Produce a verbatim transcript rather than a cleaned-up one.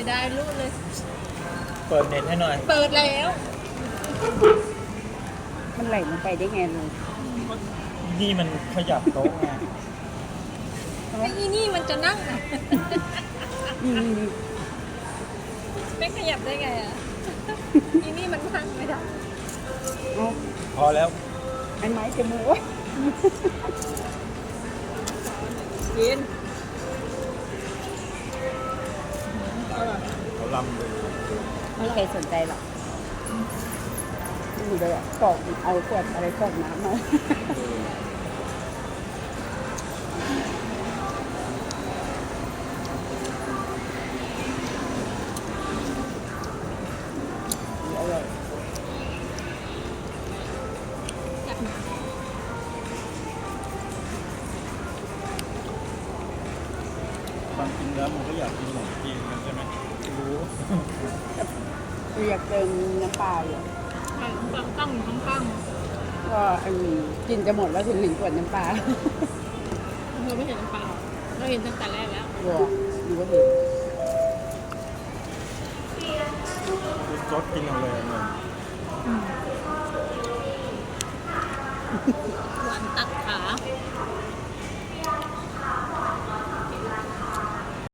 จะได้รู้เลยเปิดเน็ตให้หน่อยเปิดแล้วมันไหลลงไปได้ไงลุงนี่มันขยับโต๊ะไงไอ้อีนี่มันจะนั่งอะนี่นี่นี่ไม่ขยับได้ไงอ่ะ อีนี่มันนั่งไม่ได้เอาพอแล้วไอ้ไม้จะมือวะกินเขาลำเลยไม่ใครสนใจหรอกดูเลยอ่ะกรอกเอาขวดอะไรกรอกน้ำมาอร่อยความจริงแล้วมันก็อยากกินขนมจีนกันใช่ไหมรู้คืออยากเติมน้ำปลาอยู่ใช่ตั้งตั้งอยู่ข้างก็อันนี้กินจะหมดแล้วถึงหนึ่งขวดน้ำปลาๆเธอไม่เห็นน้ำเปล่าเราเห็นตั้งแต่แรกแล้ววัวดูก็เห็นคือซดกินเอาเลยเหมือนหวานตัดขา